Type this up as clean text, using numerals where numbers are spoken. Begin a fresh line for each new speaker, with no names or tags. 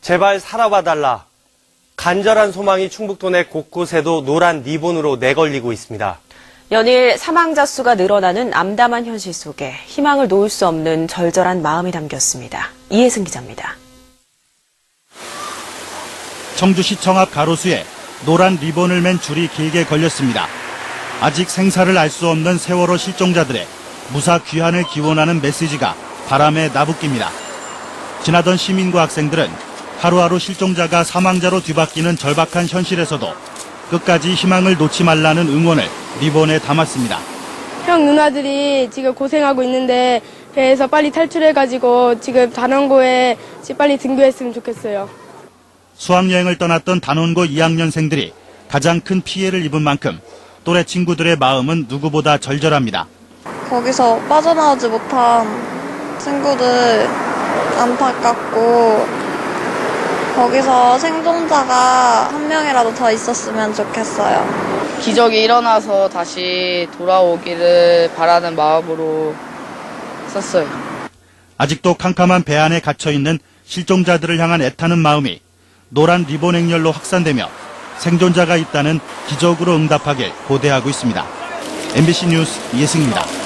제발 살아봐달라. 간절한 소망이 충북도 내 곳곳에도 노란 리본으로 내걸리고 있습니다.
연일 사망자 수가 늘어나는 암담한 현실 속에 희망을 놓을 수 없는 절절한 마음이 담겼습니다. 이혜승 기자입니다.
청주시청 앞 가로수에 노란 리본을 맨 줄이 길게 걸렸습니다. 아직 생사를 알 수 없는 세월호 실종자들의 무사 귀환을 기원하는 메시지가 바람에 나부낍니다. 지나던 시민과 학생들은 하루하루 실종자가 사망자로 뒤바뀌는 절박한 현실에서도 끝까지 희망을 놓지 말라는 응원을 리본에 담았습니다.
형 누나들이 지금 고생하고 있는데 배에서 빨리 탈출해가지고 지금 단원고에 빨리 등교했으면 좋겠어요.
수학여행을 떠났던 단원고 2학년생들이 가장 큰 피해를 입은 만큼 또래 친구들의 마음은 누구보다 절절합니다.
거기서 빠져나오지 못한 친구들 안타깝고 거기서 생존자가 한 명이라도 더 있었으면 좋겠어요.
기적이 일어나서 다시 돌아오기를 바라는 마음으로 썼어요.
아직도 캄캄한 배 안에 갇혀있는 실종자들을 향한 애타는 마음이 노란 리본 행렬로 확산되며 생존자가 있다는 기적으로 응답하길 고대하고 있습니다. MBC 뉴스 이혜승입니다.